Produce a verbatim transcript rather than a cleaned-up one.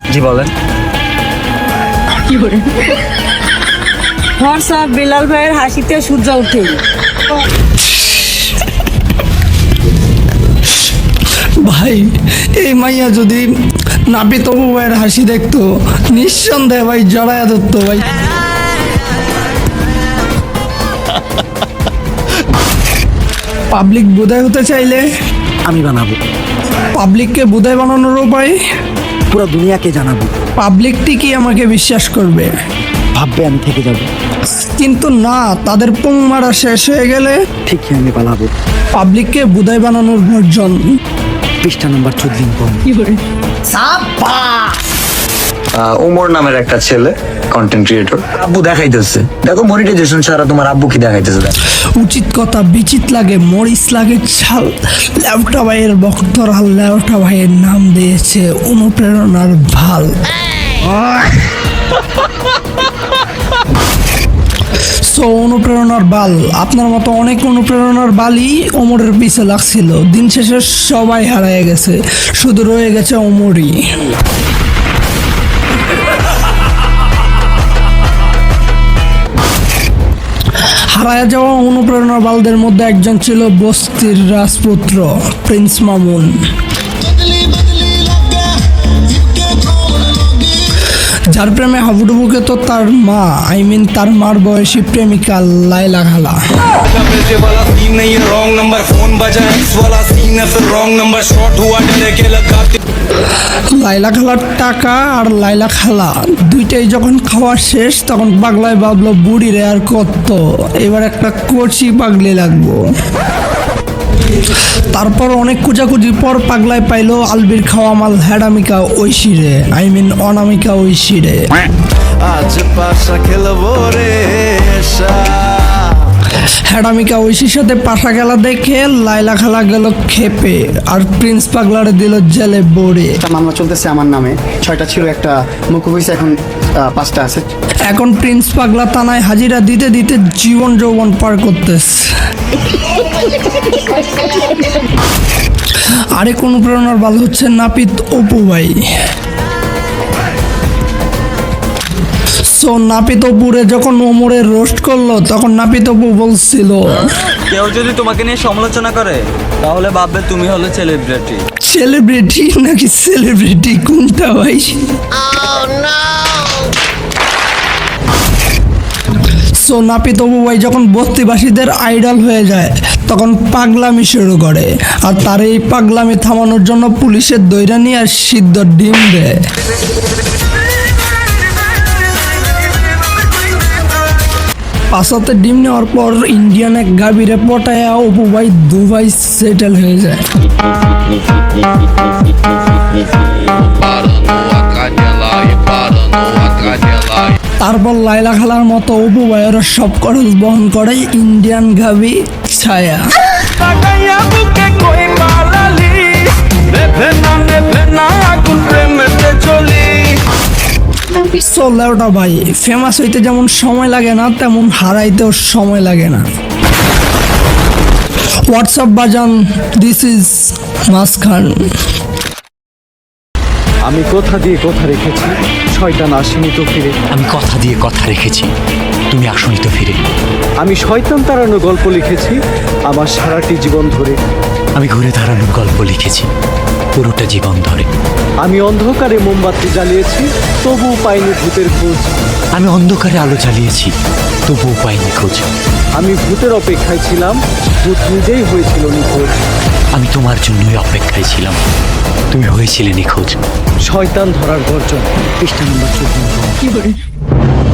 জি বলেন। কি করে হোয়াটসঅ্যাপ বিলাল ভাইয়ের হাসিতে সূর্য ওঠে। ভাই এই মাইয়া যদি নাপিত অপু ভাইয়ের হাসি দেখতো নিঃসন্দেহে ভাই জড়ায়া ধরতো ভাই। পাবলিক বোধাই হতে চাইলে আমি বানাবো, পাবলিককে বোধাই বানানোর উপায় পুরো দুনিয়াকে জানাবো। পাবলিকটি কি আমাকে বিশ্বাস করবে? ভাববে আমি থেকে যাব, কিন্তু না, তাদের পুং মারা শেষ হয়ে গেলে ঠিকই আমি পালাবো। পাবলিককে বোধাই বানানোর ভার্জন পৃষ্ঠা নাম্বার চোদ্দ কম। কি করে ওমর নামের একটা ছেলে কন্টেন্ট ক্রিয়েটর, আব্বু দেখাইতেছে, দেখো মনিটাইজেশন ছাড়া তোমার আব্বু কি দেখাইতেছে। দেখো উচিত কথা বিচিত লাগে, মরিচ লাগে ছাল। লেউটা ভাইয়ের বক্তরা লেউটা ভাইয়ের নাম দিয়েছে অনুপ্রেরণার ভাল। সো অনুপ্রেরণার বাল, আপনার মতো অনেক অনুপ্রেরণার বালই ওমরের পিছে লাগছিল। দিন শেষে সবাই হারিয়ে গেছে, শুধু রয়ে গেছে ওমরই। হারায়া যাওয়া অনুপ্রেরণার বালদের মধ্যে একজন ছিল বস্তির রাজপুত্র প্রিন্স মামুন। যার প্রেমে হাবুডুবুকে তো তার মা, আই মিন তার মার বয়সী প্রেমিকা লাইলা খালা। লাইলা খালার টাকা আর লাইলা খালা দুইটাই যখন খাওয়া শেষ তখন পাগলায় ভাবলো বুড়ি রে আর কত, এবার একটা কচি পাগলি লাগবো। তারপর অনেক কুচাকুচির পর পাগলায় পাইলো আলবির খাওয়া মাল হ্যাডামিকা ঐশিরে, আই মিন অনামিকা ঐশিরে। আজ পাশা খেলবো রে হ্যাডামিকা ঐশীর সাথে পাশা খেলা দেখে লাইলা খালা গেল খেপে, আর প্রিন্স পাগলারে দিল জেলে বড়ে। একটা মামলা চলতেছে আমার নামে, ছয়টা ছিল, একটা মুকুব হয়েছে, এখন আহ, পাঁচটা আছে। এখন প্রিন্স পাগলা থানায় হাজিরা দিতে দিতে জীবন যৌবন পার করতেছে। আরেক অনুপ্রেরণার বাল হচ্ছে নাপিত অপু ভাই। সো নাপিত অপুরে যখন ওমরের রোস্ট করলো তখন নাপিত অপু বলছিল, কেউ যদি তোমাকে নিয়ে সমালোচনা করে তাহলে ভাববে তুমি হলো সেলিব্রিটি। সেলিব্রিটি নাকি সেলিব্রিটি কোনটা ভাই? সো নাপিত অপু ভাই যখন বস্তিবাসীদের আইডল হয়ে যায় তখন পাগলামি শুরু করে, আর তার এই পাগলামি থামানোর জন্য পুলিশের দৈরা নিয়ে আর সিদ্ধ ডিম দেয়। পাশাতে ডিম নেওয়ার পর ইন্ডিয়ান এক গাভীরে পটায়া অপু ভাই দুবাই সেটেল হয়ে যায়। তারপর লাইলা খালার মতো অপু ভাইয়ের সব খরচ বহন করে ইন্ডিয়ান গাভী ছায়া। লেউটা ভাই ফেমাস হইতে যেমন সময় লাগে না তেমন হারাইতেও সময় লাগে না। হোয়াটসঅ্যাপ বাজান, দিস ইজ মাসখান। আমি কথা দিয়ে কথা রেখেছি, শয়তান আসেনি তো ফিরে। আমি কথা দিয়ে কথা রেখেছি, তুমি আসনি তো ফিরে। আমি শয়তান তাড়ানো গল্প লিখেছি আমার সারাটি জীবন ধরে। আমি ঘুরে দাঁড়ানোর গল্প লিখেছি পুরোটা জীবন ধরে। আমি অন্ধকারে মোমবাতি জ্বালিয়েছি, তবুও পাইনি ভূতের খোঁজ। আমি অন্ধকারে আলো জ্বালিয়েছি, তবুও পাইনি খোঁজ। আমি ভূতের অপেক্ষায় ছিলাম, ভূত নিজেই হয়েছিল নিখোঁজ। আমি তোমার জন্যই অপেক্ষায় ছিলাম, তুমি হয়েছিলে নিখোঁজ। শয়তান ধরার গর্জন, পৃষ্ঠা নম্বর চোদ্দ। কি করে